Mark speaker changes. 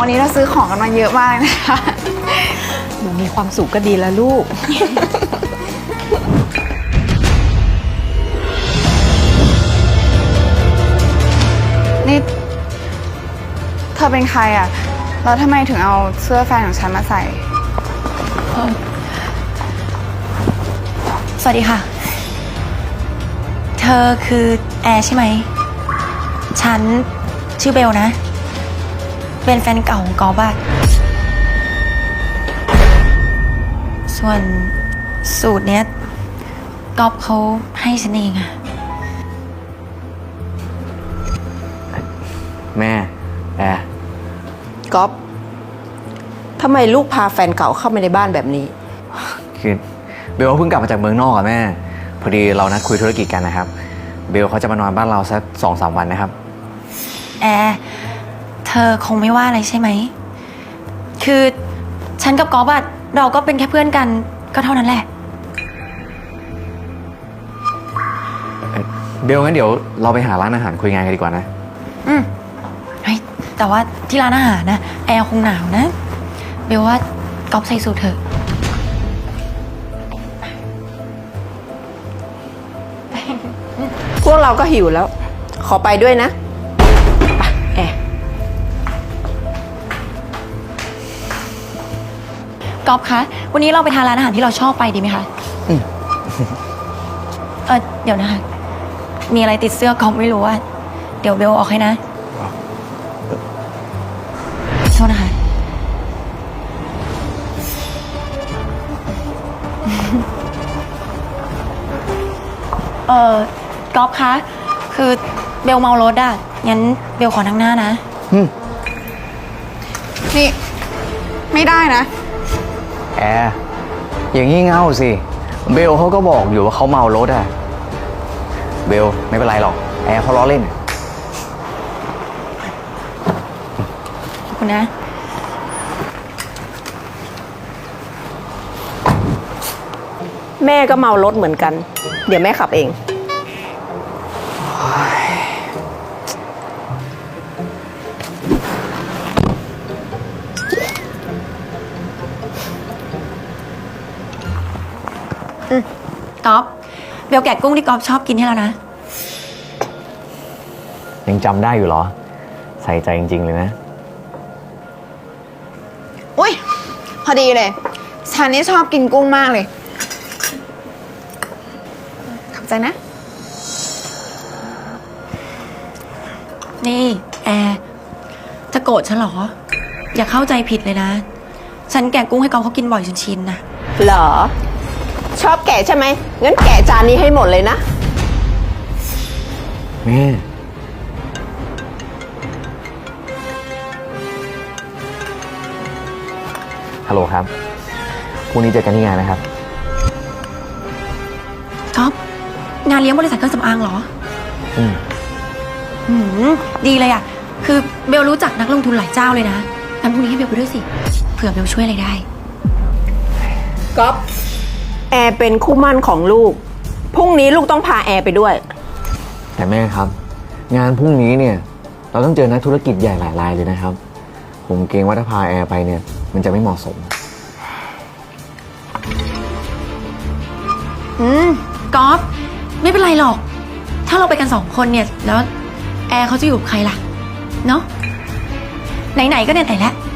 Speaker 1: วันนี้เราซื้อของกันมาเยอะมากนะคะ
Speaker 2: หนูมีความสุขก็ดีแล้วลูก
Speaker 1: นี่เธอเป็นใครอ่ะแล้วทำไมถึงเอาเสื้อแฟนของฉันมาใส่
Speaker 3: สวัสดีค่ะ เธอคือแอร์ใช่ไหม ฉันชื่อเบลนะ เป็นแฟนเก่าของกอล์ฟอะส่วนสูตรเนี้ยกอล์ฟเขาให้ฉันเองอะ
Speaker 4: แม่แอร์
Speaker 2: ก๊อฟทำไมลูกพาแฟนเก่าเข้ามาในบ้านแบบนี้
Speaker 4: คือเบลเพิ่งกลับมาจากเมืองนอกอะแม่ พอดีเรานัดคุยธุรกิจกันนะครับ เบลเขาจะมานอนบ้านเราสัก2-3 วันนะครับ
Speaker 3: แอร์เธอคงไม่ว่าอะไรใช่ไหม คือฉันกับกอล์ฟอะเราก็เป็นแค่เพื่อนกันก็เท่านั้นแหละ
Speaker 4: เบลงั้นเดี๋ยวเราไปหาร้านอาหารคุยงานกันดีกว่านะ
Speaker 3: เฮ้ยแต่ว่าที่ร้านอาหารนะแอร์คงหนาวนะ เบลว่าก๊อฟใส่สูทเถอะ
Speaker 2: พวกเราก็หิวแล้ว ขอไปด้วยนะไปแอร์
Speaker 3: ก๊อฟคะ วันนี้เราไปทานร้านอาหารที่เราชอบไปดีไหมคะ เดี๋ยวนะคะ มีอะไรติดเสื้อก๊อฟไม่รู้อะเดี๋ยวเบลออกให้นะโทษนะคะ ก๊อฟคะ คือเบลเมารถอะงั้นเบลขอนั่งหน้านะ
Speaker 1: นี่ไม่ได้นะ
Speaker 4: แอร์อย่างงี้เง่าสิ เบลเขาก็บอกอยู่ว่าเขาเมารถอะเบลไม่เป็นไรหรอก แอร์เขาล้อเล่น
Speaker 3: ขอบคุณนะ
Speaker 2: แม่ก็เมารถเหมือนกัน เดี๋ยวแม่ขับเอง
Speaker 3: ก๊อฟเบลแกะกุ้งที่ก๊อฟชอบกินให้แล้วนะ
Speaker 4: ยังจำได้อยู่เหรอ ใส่ใจจริงๆเลยนะ
Speaker 1: อุ้ยพอดีเลย ฉันนี่ชอบกินกุ้งมากเลย ขอบใจนะ
Speaker 3: นี่แอร์จะโกรธฉันเหรอ อย่าเข้าใจผิดเลยนะ ฉันแกะกุ้งให้ก๊อฟเขากินบ่อยจนชินนะ
Speaker 2: เหรอ ชอบแกะใช่ไหม งั้นแกะจานนี้ให้หมดเลยนะ
Speaker 4: แม่ฮัลโหลครับพรุ่งนี้เจอกันที่งานนะครับ
Speaker 3: ก๊อฟงานเลี้ยงบริษัทเครื่องสำอางเหรอ
Speaker 4: อืม
Speaker 3: หืมดีเลยอะคือเบลรู้จักนักลงทุนหลายเจ้าเลยนะงั้นพรุ่งนี้ให้เบลไปด้วยสิ เผื่อเบลช่วยอะไรได้
Speaker 2: ก๊อฟแอร์เป็นคู่หมั่นของลูก พรุ่งนี้ลูกต้องพาแอร์ไปด้วย
Speaker 4: แต่แม่ครับ งานพรุ่งนี้เนี่ย เราต้องเจอนักธุรกิจใหญ่หลายรายเลยนะครับ ผมเกรงว่าถ้าพาแอร์ไปเนี่ย มันจะไม่เหมาะสม
Speaker 3: ก๊อฟไม่เป็นไรหรอก ถ้าเราไปกัน2 คนเนี่ย แล้วแอร์เขาจะอยู่กับใครล่ะ เนาะไหนๆก็ไหนๆแล้ว